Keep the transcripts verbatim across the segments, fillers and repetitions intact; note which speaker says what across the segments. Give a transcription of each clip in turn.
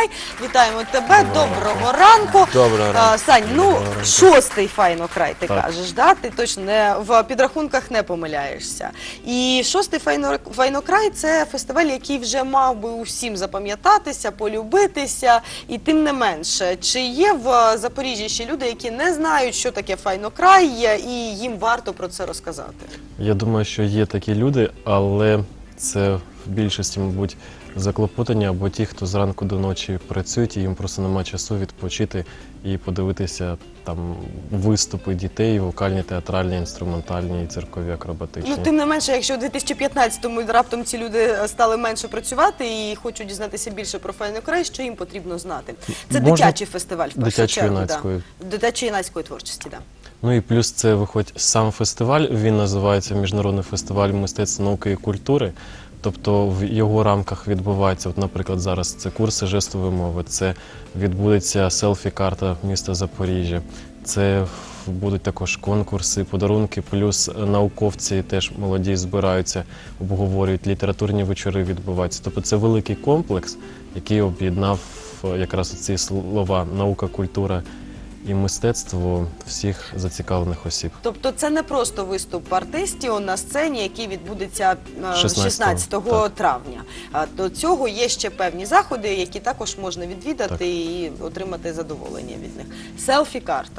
Speaker 1: край. Вітаємо тебе, доброго ранку.
Speaker 2: Доброго ранку.
Speaker 1: Сань, ну,
Speaker 2: Доброго ранку.
Speaker 1: шостий файнокрай, ти
Speaker 2: Так.
Speaker 1: кажеш, да? Ти точно не, в підрахунках не помиляєшся. І шостий файно, файнокрай – це фестиваль, який вже мав би усім запам'ятатися, полюбитися. І тим не менше, чи є в Запоріжжі ще люди, які не знають, що таке файнокрай, і їм варто про це розказати?
Speaker 2: Я думаю, що є такі люди, але це в більшості, мабуть, заклопотані або ті, хто зранку до ночі працюють, і їм просто нема часу відпочити і подивитися там виступи дітей, вокальні, театральні, інструментальні, циркові, акробатичні.
Speaker 1: Ну, тим не менше, якщо у дві тисячі п'ятнадцятому раптом ці люди стали менше працювати і хочуть дізнатися більше про файнокрай, що їм потрібно знати? Це
Speaker 2: Можна
Speaker 1: дитячий фестиваль, в першу чергу.
Speaker 2: Дитячо-юнацької.
Speaker 1: Да. Дитячо-юнацької творчості, так. Да.
Speaker 2: Ну і плюс це виходить сам фестиваль, він називається Міжнародний фестиваль мистецтв, науки і культури. Тобто в його рамках відбувається, от, наприклад, зараз це курси жестової мови, це відбудеться селфі-карта міста Запоріжжя, це будуть також конкурси, подарунки, плюс науковці теж молоді збираються, обговорюють, літературні вечори відбуваються. Тобто це великий комплекс, який об'єднав якраз ці слова «наука, культура» і мистецтво всіх зацікавлених осіб.
Speaker 1: Тобто це не просто виступ артистів на сцені, який відбудеться
Speaker 2: шістнадцятого
Speaker 1: шістнадцятого травня. А до цього є ще певні заходи, які також можна відвідати
Speaker 2: Так.
Speaker 1: і отримати задоволення від них. Селфі-карта.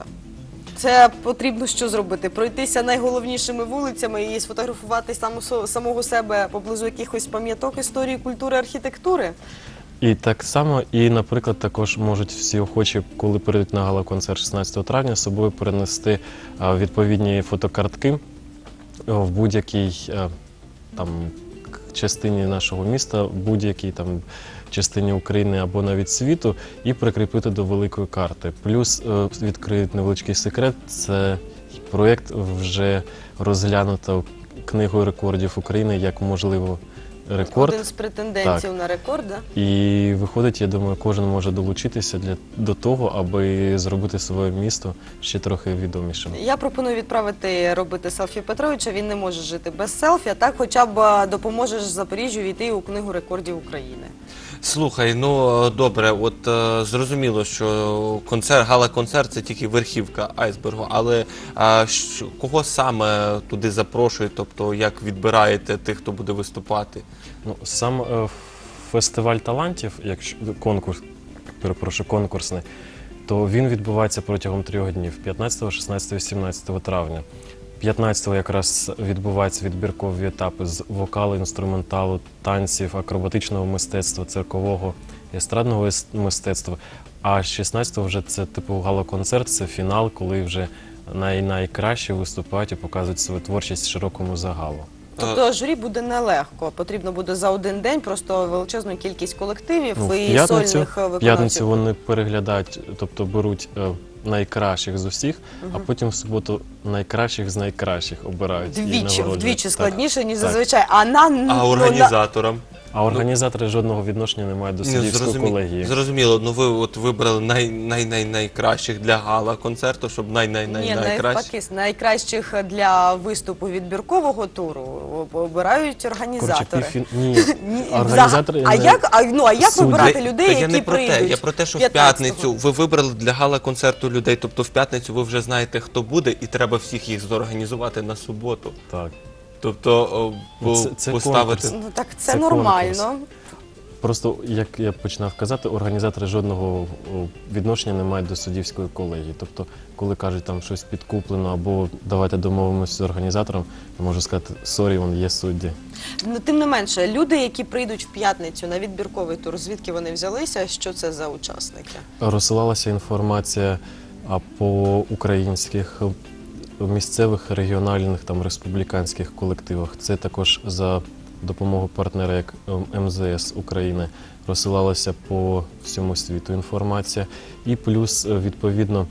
Speaker 1: Це потрібно що зробити? Пройтися найголовнішими вулицями і сфотографувати саму, самого себе поблизу якихось пам'яток історії, культури, архітектури?
Speaker 2: І так само, і, наприклад, також можуть всі охочі, коли прийдуть на гала-концерт шістнадцятого травня, з собою перенести а, відповідні фотокартки а, в будь-якій а, там частині нашого міста, в будь-якій там частині України або навіть світу, і прикріпити до великої карти. Плюс а, відкриють невеличкий секрет, це проєкт вже розглянуто Книгою рекордів України як можливо рекорд.
Speaker 1: Один з претендентів
Speaker 2: Так.
Speaker 1: на рекорд, да?
Speaker 2: І виходить, я думаю, кожен може долучитися для, до того, аби зробити своє місто ще трохи відомішим.
Speaker 1: Я пропоную відправити робити селфі Петровича, він не може жити без селфі, а так хоча б допоможеш Запоріжжю війти у Книгу рекордів України.
Speaker 3: Слухай, ну добре, от е, зрозуміло, що концерт, гала-концерт – це тільки верхівка айсбергу, але е, що, кого саме туди запрошують, тобто як відбираєте тих, хто буде виступати?
Speaker 2: Ну, сам е, фестиваль талантів, якщо конкурс, перепрошую, конкурсний, то він відбувається протягом трьох днів – п'ятнадцятого, шістнадцятого і сімнадцятого травня. п'ятнадцятого якраз відбуваються відбіркові етапи з вокалу, інструменталу, танців, акробатичного мистецтва, циркового, естрадного мистецтва. А шістнадцятого вже це типу гала-концерт, це фінал, коли вже най найкраще виступають і показують свою творчість широкому загалу.
Speaker 1: Тобто журі буде нелегко, потрібно буде за один день просто величезну кількість колективів
Speaker 2: Ну, в
Speaker 1: і
Speaker 2: п'ятницю,
Speaker 1: сольних
Speaker 2: в
Speaker 1: виконавців.
Speaker 2: п'ятницю вони переглядають, тобто беруть е, найкращих з усіх, а потім в суботу найкращих з найкращих обирають. і
Speaker 1: Вдвічі,
Speaker 2: нагороджують.
Speaker 1: вдвічі
Speaker 2: Так.
Speaker 1: складніше, ніж
Speaker 2: Так.
Speaker 1: зазвичай. А, на, ну,
Speaker 3: А
Speaker 1: на-
Speaker 3: організаторам?
Speaker 2: А організатори жодного відношення не мають до
Speaker 3: Ні,
Speaker 2: суддівської
Speaker 3: зрозумі-
Speaker 2: колегії.
Speaker 3: Зрозуміло, ну ви от вибрали най, най, най, найкращих для гала-концерту, щоб най, най, най,
Speaker 1: Ні,
Speaker 3: найкращих.
Speaker 1: навпаки, найкращих для виступу відбіркового туру обирають
Speaker 2: Коротше,
Speaker 1: організатори.
Speaker 2: півфін... Ні,
Speaker 1: Ні,
Speaker 2: організатори...
Speaker 1: а
Speaker 2: не-
Speaker 1: як, а, ну, а як
Speaker 2: Судді.
Speaker 1: вибирати
Speaker 3: Та-
Speaker 1: людей,
Speaker 3: та я
Speaker 1: які
Speaker 3: не про те,
Speaker 1: прийдуть
Speaker 3: я про те, що в
Speaker 1: п'ятнадцятого?
Speaker 3: п'ятницю ви вибрали для гала-концерту людей, тобто в п'ятницю ви вже знаєте, хто буде, і треба всіх їх зорганізувати на суботу.
Speaker 2: Так.
Speaker 3: Тобто о, по-
Speaker 2: Це- це
Speaker 3: поставити...
Speaker 2: конкурс.
Speaker 1: Ну так це,
Speaker 2: Це
Speaker 1: нормально.
Speaker 2: конкурс. Просто, як я починав казати, організатори жодного о, відношення не мають до суддівської колегії. Тобто, коли кажуть там щось підкуплено або давайте домовимося з організатором, я можу сказати, сорі, вон є судді.
Speaker 1: Ну, тим не менше, люди, які прийдуть в п'ятницю на відбірковий тур, звідки вони взялися, що це за учасники?
Speaker 2: Розсилалася інформація а, по українських е, місцевих, регіональних, там, республіканських колективах. Це також за допомогою партнера, як ем зе ес України, розсилалася по всьому світу інформація. І плюс, відповідно,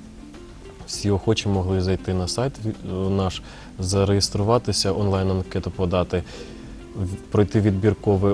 Speaker 2: всі охочі могли зайти на сайт наш, зареєструватися, онлайн-анкету подати, пройти відбірковий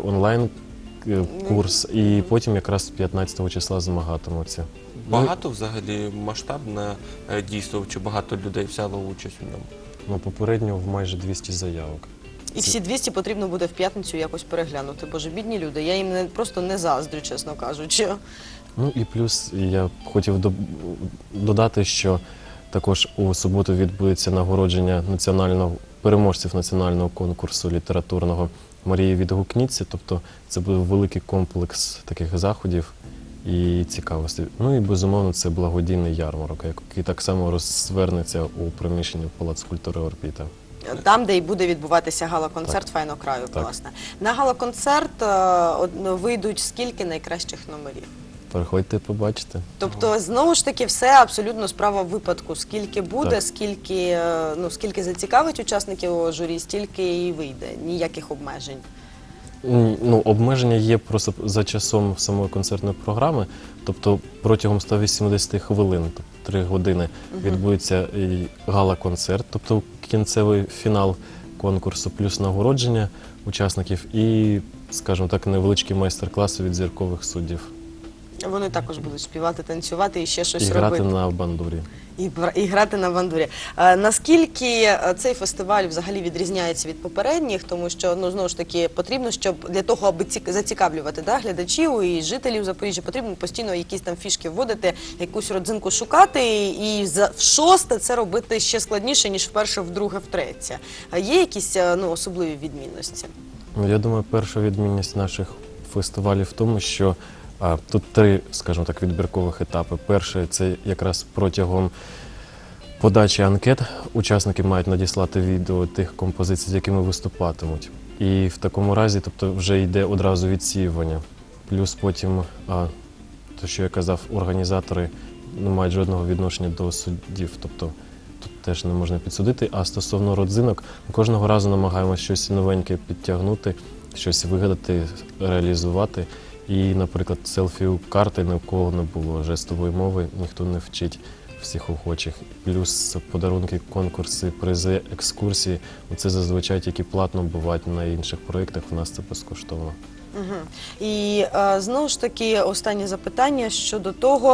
Speaker 2: онлайн-курс і потім якраз п'ятнадцятого числа змагатимуться.
Speaker 3: Багато взагалі масштабне е, дійство, чи багато людей взяло участь у ньому?
Speaker 2: Ну, попередньо в майже двісті заявок.
Speaker 1: І всі двісті потрібно буде в п'ятницю якось переглянути. Боже, бідні люди, я їм не, просто не заздрю, чесно кажучи.
Speaker 2: Ну і плюс я б хотів до- додати, що також у суботу відбудеться нагородження національного переможців національного конкурсу літературного Марії Відгукніться. Тобто це буде великий комплекс таких заходів і цікавостей. Ну і безумовно це благодійний ярмарок, який так само розвернеться у приміщенні Палацу культури Орбіта.
Speaker 1: Там, де і буде відбуватися гала-концерт
Speaker 2: Так.
Speaker 1: Файнокраю,
Speaker 2: Так.
Speaker 1: власне. На гала-концерт е, од- вийдуть скільки найкращих номерів?
Speaker 2: Приходьте, побачите.
Speaker 1: Тобто, знову ж таки, все абсолютно справа випадку. Скільки буде,
Speaker 2: Так.
Speaker 1: скільки, е, ну, скільки зацікавить учасників журі, стільки і вийде. Ніяких обмежень.
Speaker 2: М, Ну, обмеження є просто за часом самої концертної програми, тобто протягом ста вісімдесяти хвилин, тобто три години, відбудеться і гала-концерт, тобто кінцевий фінал конкурсу, плюс нагородження учасників і, скажімо так, невеличкі майстер-класи від зіркових суддів.
Speaker 1: Вони також будуть співати, танцювати і ще щось
Speaker 2: І
Speaker 1: робити.
Speaker 2: грати на бандурі.
Speaker 1: І, бра- і грати на бандурі. Е, наскільки е, цей фестиваль взагалі відрізняється від попередніх, тому що, ну, знову ж таки, потрібно, щоб для того, аби ці- зацікавлювати, да, глядачів і жителів Запоріжжя, потрібно постійно якісь там фішки вводити, якусь родзинку шукати, і за, в шосте це робити ще складніше, ніж вперше, вдруге, втретє. А є якісь е, ну, особливі відмінності?
Speaker 2: Ну, я думаю, перша відмінність наших фестивалів в тому, що а, тут три, скажімо так, відбіркових етапи. Перший – це якраз протягом подачі анкет учасники мають надіслати відео тих композицій, з якими виступатимуть. І в такому разі, тобто, вже йде одразу відсіювання. Плюс потім, а, то, що я казав, організатори не мають жодного відношення до суддів, тобто тут теж не можна підсудити. А стосовно родзинок, ми кожного разу намагаємося щось новеньке підтягнути, щось вигадати, реалізувати. І, наприклад, селфі-карти ні у кого не було, жестової мови ніхто не вчить всіх охочих. Плюс подарунки, конкурси, призи, екскурсії. Це зазвичай тільки платно бувають на інших проєктах, у нас це безкоштовно.
Speaker 1: Угу. І е, знову ж таки останнє запитання щодо того,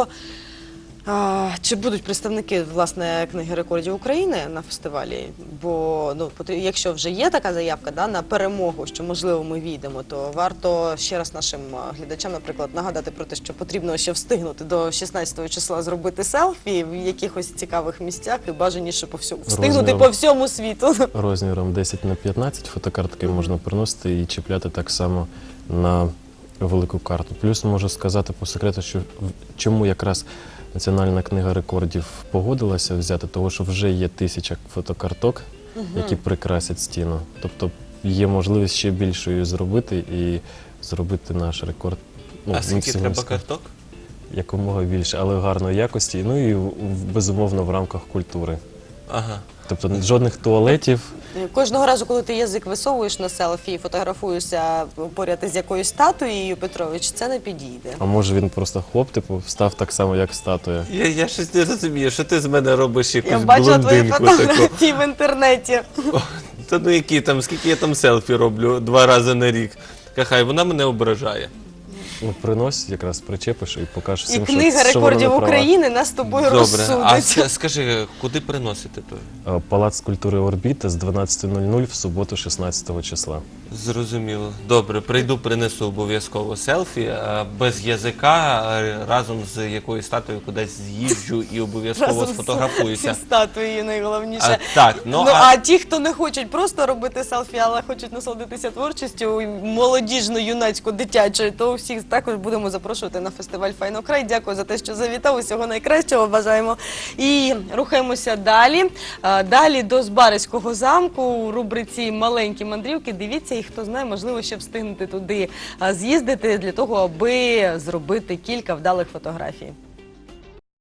Speaker 1: е, чи будуть представники, власне, книги рекордів України на фестивалі? Бо, ну, потр- якщо вже є така заявка, да, на перемогу, що можливо ми війдемо, то варто ще раз нашим е, глядачам, наприклад, нагадати про те, що потрібно ще встигнути до шістнадцятого числа зробити селфі в якихось цікавих місцях і бажаніше по всьому встигнути
Speaker 2: Розміром.
Speaker 1: по всьому світу.
Speaker 2: Розміром десять на п'ятнадцять фотокартки можна приносити і чіпляти так само на велику карту. Плюс можу сказати по секрету, що в- чому якраз Національна книга рекордів погодилася взяти, того що вже є тисяча фотокарток, які прикрасять стіну. Тобто є можливість ще більшою зробити і зробити наш рекорд. ну,
Speaker 3: А скільки
Speaker 2: максимум
Speaker 3: треба
Speaker 2: ска-
Speaker 3: карток?
Speaker 2: Якомога більше, але гарної якості, ну і в- в- безумовно в рамках культури.
Speaker 3: Ага.
Speaker 2: Тобто жодних туалетів.
Speaker 1: Кожного разу, коли ти язик висовуєш на селфі і фотографуєшся поряд із якоюсь статуєю, Петрович, це не підійде.
Speaker 2: А може він просто хлоп, типу, встав так само, як статуя.
Speaker 3: Я, я щось не розумію, що ти з мене робиш якусь
Speaker 1: Я бачила твої
Speaker 3: блондинку таку.
Speaker 1: фотографії в інтернеті.
Speaker 3: Та ну які там, скільки я там селфі роблю два рази на рік. Хай вона мене ображає.
Speaker 2: Ну, принось, якраз причепиш і покажеш
Speaker 1: І
Speaker 2: всім, що,
Speaker 1: книга
Speaker 2: що вона
Speaker 1: рекордів
Speaker 2: не права.
Speaker 1: України нас з тобою
Speaker 3: Добре. А
Speaker 1: розсудить.
Speaker 3: ска- скажи, куди приносити той?
Speaker 2: Е, Палац культури Орбіта з дванадцяти нуль нуль в суботу шістнадцятого числа.
Speaker 3: Зрозуміло. Добре, прийду, принесу обов'язково селфі, а без язика, а разом з якоюсь статуєю кудись з'їжджу і обов'язково
Speaker 1: Разом з-
Speaker 3: сфотографуюся.
Speaker 1: зі статуєю найголовніше.
Speaker 3: А, так, ну,
Speaker 1: ну,
Speaker 3: а-
Speaker 1: а ті, хто не хочуть просто робити селфі, але хочуть насолодитися творчістю молодіжно-юнацько-дитячою, то всіх також будемо запрошувати на фестиваль «Файнокрай». Дякую за те, що завітав. Усього найкращого бажаємо. І рухаємося далі. А, Далі до Збаразького замку у рубриці «Маленькі мандрівки». Дивіться, і хто знає, можливо, ще встигнути туди а, з'їздити для того, аби зробити кілька вдалих фотографій.